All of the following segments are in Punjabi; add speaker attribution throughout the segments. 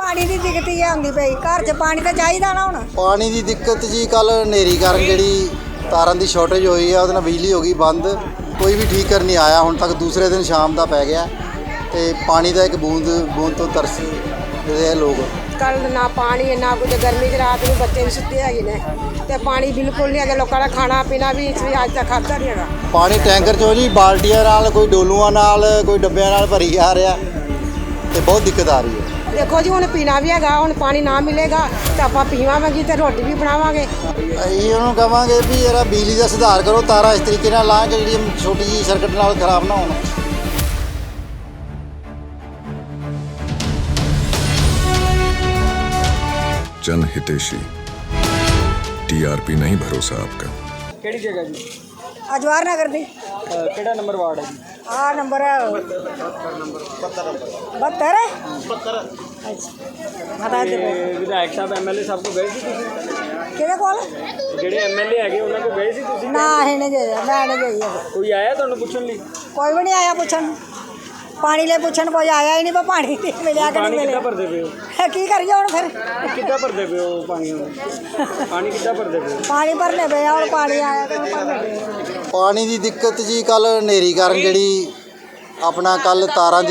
Speaker 1: पानी की दिक्कत ही आती पई घर च पानी तो चाहिए ना हुण
Speaker 2: पानी की दिक्कत जी कल हनेरी कारण जी तारां की शॉर्टेज हुई है उहदे नाल बिजली हो गई बंद कोई भी ठीक कर नहीं आया हुण तक दूसरे दिन शाम का पै गया तो पानी का एक बूंद तो तरस रहे लोग
Speaker 3: कल ना पानी ना कुछ गर्मी च रात में बच्चे भी सुते है ने ते पानी बिल्कुल नहीं है लोगों का खाना पीना भी इस अज तक खाता नहीं है
Speaker 2: पानी टैंकर चो जी बाल्टियां नाल कोई डोलूआं नाल कोई डब्बियां नाल भरी आ रहा तो बहुत दिक्कत आ रही है।
Speaker 3: देखो जी हुण पीना भी है हुण पानी ना मिलेगा तो आप पीवांगे तो रोटी भी बनावांगे
Speaker 2: ਅਸੀਂ ਉਹਨੂੰ ਕਹਾਂਗੇ ਵੀ ਯਾਰ ਬਿਜਲੀ ਦਾ ਸੁਧਾਰ ਕਰੋ ਤਾਰਾਂ ਇਸ ਤਰੀਕੇ ਨਾਲ ਲਾ ਕੇ ਜਿਹੜੀ ਛੋਟੀ ਜਿਹੀ ਸਰਕਟ ਨਾਲ ਖਰਾਬ ਨਾ ਹੋਣ।
Speaker 4: जन हितेशी टीआरपी नहीं भरोसा आपका।
Speaker 5: ਕਿਹੜੀ ਜਗ੍ਹਾ ਜੀ
Speaker 1: अजवार नगर दी
Speaker 5: ਕਿਹੜਾ ਨੰਬਰ ਵਾਰਡ ਹੈ ਜੀ
Speaker 1: आ नंबर है 72 अच्छा बता दे
Speaker 5: ਤੇ ਵਿਧਾਇਕ ਸਾਹਿਬ ਐਮਐਲਏ ਸਾਹਿਬ ਕੋਲ ਗਏ ਸੀ ਤੁਸੀਂ
Speaker 1: किहदे कोल
Speaker 5: ਜਿਹੜੇ ਐਮਐਲਏ ਹੈਗੇ ਉਹਨਾਂ ਕੋਲ ਗਏ ਸੀ ਤੁਸੀਂ
Speaker 1: ना असीं नहीं गए मैं नहीं गई अजे।
Speaker 5: ਕੋਈ ਆਇਆ ਤੁਹਾਨੂੰ ਪੁੱਛਣ ਲਈ
Speaker 1: कोई भी नहीं आया पूछन पानी ले पूछन कोई आया ही नहीं पर पानी नहीं मिलिया कि नहीं
Speaker 5: ਪਾਣੀ
Speaker 1: मिले
Speaker 5: ਕਿੱਦਾਂ ਭਰਦੇ ਪਏ ਹੋ
Speaker 1: की करिए हुण फिर
Speaker 5: ਕਿੱਦਾਂ ਭਰਦੇ ਪਏ ਹੋ ਪਾਣੀ ਹੁਣ ਪਾਣੀ ਕਿੱਦਾਂ ਭਰਦੇ ਪਏ ਹੋ
Speaker 1: पानी भरने पे और पानी आया तो भरने पे
Speaker 2: ਪਾਣੀ ਦੀ ਦਿੱਕਤ ਜੀ ਕੱਲ ਹਨੇਰੀ ਕਾਰਨ ਜਿਹੜੀ ਆਪਣਾ ਕੱਲ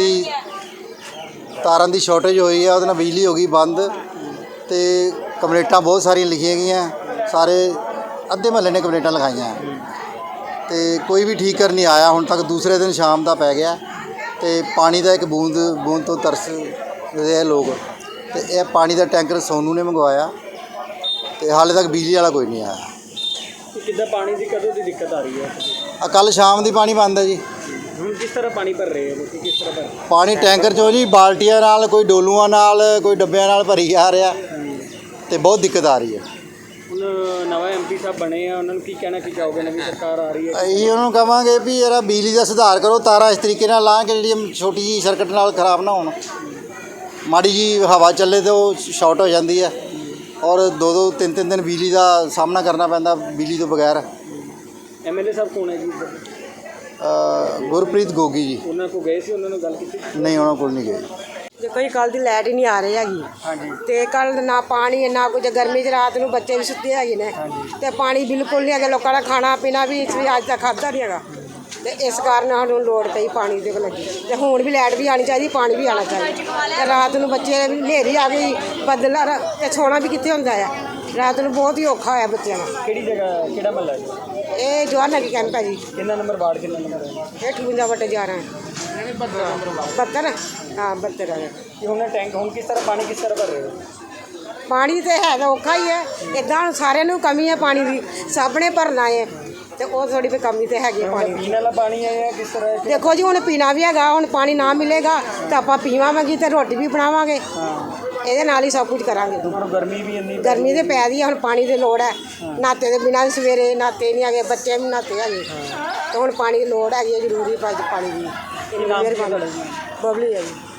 Speaker 2: ਤਾਰਾਂ ਦੀ ਸ਼ਾਰਟੇਜ ਹੋਈ ਹੈ ਉਹਦੇ ਨਾਲ ਬਿਜਲੀ ਹੋ ਗਈ ਬੰਦ ਤੇ ਕੰਪਲੇਂਟਾਂ ਬਹੁਤ ਸਾਰੀਆਂ ਲਿਖੀਆਂ ਗਈਆਂ ਸਾਰੇ ਅੱਧੇ ਮਹੱਲੇ ਨੇ ਕੰਪਲੇਂਟਾਂ ਲਿਖਾਈਆਂ ਤੇ ਕੋਈ ਵੀ ਠੀਕ ਕਰ ਨਹੀਂ ਆਇਆ ਹੁਣ ਤੱਕ ਦੂਸਰੇ ਦਿਨ ਸ਼ਾਮ ਦਾ ਪੈ ਗਿਆ ਤੇ ਪਾਣੀ ਦਾ ਇੱਕ ਬੂੰਦ ਤੋਂ ਤਰਸ ਰਹੇ ਲੋਕ ਤੇ ਇਹ ਪਾਣੀ ਦਾ ਟੈਂਕਰ ਸੋਨੂ ਨੇ ਮੰਗਵਾਇਆ ਤੇ ਹਾਲੇ ਤੱਕ ਬਿਜਲੀ ਵਾਲਾ ਕੋਈ ਨਹੀਂ ਆਇਆ।
Speaker 5: ਕਿ ਕਿੱਦਾਂ ਪਾਣੀ ਦੀ ਕਦੋਂ ਦੀ ਦਿੱਕਤ ਆ ਰਹੀ ਹੈ
Speaker 2: ਆ ਕੱਲ ਸ਼ਾਮ ਦੀ ਪਾਣੀ ਬੰਦ ਹੈ ਜੀ।
Speaker 5: ਹੁਣ ਕਿਸ ਤਰ੍ਹਾਂ ਪਾਣੀ ਭਰ ਰਹੇ ਹੋ ਲੋਕੀ ਕਿਸ ਤਰ੍ਹਾਂ ਭਰ ਰਹੇ
Speaker 2: ਪਾਣੀ ਟੈਂਕਰ ਚੋਂ ਜੀ ਬਾਲਟੀਆਂ ਨਾਲ ਕੋਈ ਡੋਲੂਆਂ ਨਾਲ ਕੋਈ ਡੱਬਿਆਂ ਨਾਲ ਭਰੀ ਆ ਰਿਹਾ ਤੇ ਬਹੁਤ ਦਿੱਕਤ ਆ ਰਹੀ ਹੈ।
Speaker 5: ਹੁਣ ਨਵਾਂ ਐਮਪੀ ਸਾਹਿਬ ਬਣੇ ਆ ਉਹਨਾਂ ਨੂੰ ਕੀ ਕਹਿਣਾ ਕੀ ਚਾਹੋਗੇ ਨਵੀਂ ਸਰਕਾਰ ਆ ਰਹੀ ਹੈ
Speaker 2: ਅਸੀਂ ਉਹਨੂੰ ਕਹਾਂਗੇ ਵੀ ਯਾਰ ਬਿਜਲੀ ਦਾ ਸੁਧਾਰ ਕਰੋ ਤਾਰਾਂ ਇਸ ਤਰੀਕੇ ਨਾਲ ਲਾ ਕੇ ਜਿਹੜੀ ਛੋਟੀ ਜਿਹੀ ਸਰਕਟ ਨਾਲ ਖਰਾਬ ਨਾ ਹੋਣ। ਮਾੜੀ ਜੀ ਹਵਾ ਚੱਲੇ ਤੇ ਉਹ ਸ਼ਾਰਟ ਹੋ ਜਾਂਦੀ ਹੈ ਔਰ 2-3 ਦਿਨ ਬਿਜਲੀ ਦਾ ਸਾਹਮਣਾ ਕਰਨਾ ਪੈਂਦਾ ਬਿਜਲੀ ਤੋਂ ਬਗੈਰ।
Speaker 5: ਐਮਐਲਏ ਸਾਹਿਬ ਕੌਣ ਹੈ ਜੀ ਇੱਧਰ?
Speaker 2: ਗੁਰਪ੍ਰੀਤ ਗੋਗੀ ਜੀ
Speaker 5: ਉਹਨਾਂ ਕੋਲ ਗਏ ਸੀ ਉਹਨਾਂ ਨਾਲ ਗੱਲ ਕੀਤੀ
Speaker 2: ਨਹੀਂ ਉਹਨਾਂ ਕੋਲ ਨਹੀਂ ਗਏ।
Speaker 3: देखो जी कल की लाइट ही नहीं आ रही हैगी
Speaker 5: ਹਾਂਜੀ
Speaker 3: ਤੇ ਕੱਲ ਨਾ ਪਾਣੀ ਨਾ ਕੁਝ ਗਰਮੀ ਚ ਰਾਤ ਨੂੰ ਬੱਚੇ ਵੀ ਸੁੱਤੇ ਹੈਗੇ ਨੇ ਤੇ ਪਾਣੀ ਬਿਲਕੁਲ ਨਹੀਂ ਹੈਗਾ ਲੋਕਾਂ ਦਾ ਖਾਣਾ ਪੀਣਾ ਵੀ ਇਸ ਅੱਜ ਤੱਕ ਖਾਧਾ ਨਹੀਂ ਹੈਗਾ ਤੇ ਇਸ ਕਾਰਨ ਸਾਨੂੰ ਲੋੜ ਪਈ ਪਾਣੀ ਦੇ ਲੱਗੀ ਤੇ ਹੁਣ ਵੀ ਲਾਈਟ ਵੀ ਆਣੀ ਚਾਹੀਦੀ ਪਾਣੀ ਵੀ ਆਣਾ ਚਾਹੀਦਾ ਤੇ ਰਾਤ ਨੂੰ ਬੱਚੇ ਹਨੇਰੀ ਆ ਗਈ ਬੱਦਲ ਤੇ ਸੌਣਾ ਵੀ ਕਿੱਥੇ ਹੁੰਦਾ ਆ ਰਾਤ ਨੂੰ ਬਹੁਤ ਹੀ ਔਖਾ ਹੋਇਆ ਬੱਚਿਆਂ ਦਾ।
Speaker 5: ਕਿਹੜੀ ਜਗ੍ਹਾ ਕਿਹੜਾ ਮਹੱਲਾ ਹੈ
Speaker 3: ਇਹ ਜਵਾਹਰ ਨਗਰ ਕੈਂਪ ਹੈ ਜੀ
Speaker 5: ਕਿੰਨਾ ਨੰਬਰ ਵਾਰਡ ਕਿੰਨਾ ਨੰਬਰ ਹੈ
Speaker 3: ਇਹ 58/11 72 ਹਾਂ 72 ਹੈ।
Speaker 5: ਕਿ ਹੁਣ ਟੈਂਕ ਹੁਣ ਕਿਸ ਤਰ੍ਹਾਂ ਪਾਣੀ ਕਿਸ ਤਰ੍ਹਾਂ ਭਰ ਰਹੇ ਹੋ
Speaker 3: ਪਾਣੀ ਤੇ ਹੈ ਤਾਂ ਔਖਾ ਹੀ ਹੈ ਇੱਦਾਂ ਹੁਣ ਸਾਰਿਆਂ ਨੂੰ ਕਮੀ ਹੈ ਪਾਣੀ ਦੀ ਸਭ ਨੇ ਭਰਨਾ ਹੈ ਤੇ ਉਹ ਥੋੜੀ ਵੀ ਕਮੀ ਤੇ ਹੈਗੀ ਹੈ ਪਾਣੀ ਦੀ।
Speaker 5: ਪੀਣ ਵਾਲਾ ਪਾਣੀ ਹੈ ਜਾਂ ਕਿਸ ਤਰ੍ਹਾਂ ਹੈ?
Speaker 3: ਦੇਖੋ ਜੀ ਹੁਣ ਪੀਣਾ ਵੀ ਹੈਗਾ ਹੁਣ ਪਾਣੀ ਨਾ ਮਿਲੇਗਾ ਤਾਂ ਆਪਾਂ ਪੀਵਾਂਗੇ ਤੇ ਰੋਟੀ ਵੀ ਬਣਾਵਾਂਗੇ ਇਹਦੇ ਨਾਲ ਹੀ ਸਭ ਕੁਝ ਕਰਾਂਗੇ।
Speaker 5: ਹੁਣ ਗਰਮੀ ਵੀ ਇੰਨੀ
Speaker 3: ਗਰਮੀ ਤੇ ਪੈ ਰਹੀ ਹੈ ਹੁਣ ਪਾਣੀ ਦੀ ਲੋੜ ਹੈ ਨਾਤੇ ਦੇ ਬਿਨਾਂ ਸਵੇਰੇ ਨਾਤੇ ਨਹੀਂ ਹੈਗੇ ਬੱਚੇ ਵੀ ਨਾਤੇ ਹੈਗੇ ਤੇ ਹੁਣ ਪਾਣੀ ਦੀ ਲੋੜ ਹੈਗੀ ਹੈ ਜ਼ਰੂਰੀ ਪਾਣੀ ਦੀ।
Speaker 5: ਨਾਮ ਕੀ ਤੁਹਾਡਾ ਜੀ?
Speaker 3: ਬਬਲੀ ਹੈ ਜੀ।